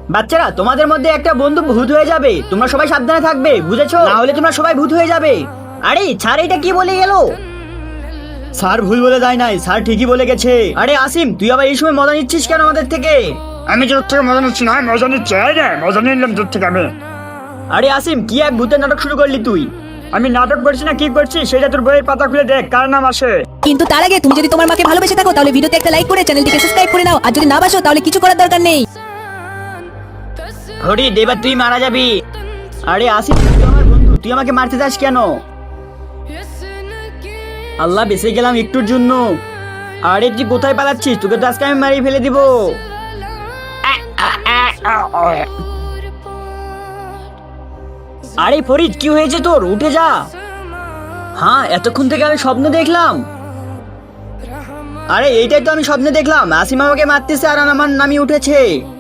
বাচ্চারা, তোমাদের মধ্যে একটা বন্ধু ভূত হয়ে যাবে, তোমরা সবাই সাবধানে থাকবে, বুঝেছো? না হলে তোমরা সবাই ভূত হয়ে যাবে। আরে স্যার এটা কি বলে গেল? স্যার ভুল বলে যায় নাই, স্যার ঠিকই বলে গেছে। আরে আসিম, তুই আবার এই সময় মজা নিচ্ছিস কেন আমাদের থেকে? আমি তোর থেকে মজা নিচ্ছি না, মজা নিচ্ছি। এই রে, মজা নিলাম তোর থেকে আমি। আরে আসিম, কি এক ভূতের নাটক শুরু করলি তুই? আমি নাটক করছি না কি করছি সেটা তোর বইয়ের পাতা খুলে দেখ, কার নাম আসে। কিন্তু তার আগে তুমি যদি তোমার মাকে ভালোবেসে থাকো তাহলে ভিডিওতে একটা লাইক করে চ্যানেলটিকে সাবস্ক্রাইব করে নাও, আর যদি না বাসো তাহলে কিছু করার দরকার নেই। ফরিদ, এবার তুই মারা যাবি। আরে আসিম, তুই আমার বন্ধু, তুই আমাকে মারতে চাস কেন? আল্লাহ, বেঁচে গেলাম একটুর জন্য। আরে তুই কোথায় পালাচ্ছিস? তোকে তো আজকে আমি মারিয়ে ফেলে দিব। আরে ফরিদ, কি হয়েছে তোর? উঠে যা। হ্যাঁ, এতক্ষণ থেকে আমি স্বপ্ন দেখলাম। আরে এইটাই তো আমি স্বপ্নে দেখলাম, আসিম আমাকে মারতেছে আর আমার নামি উঠেছে।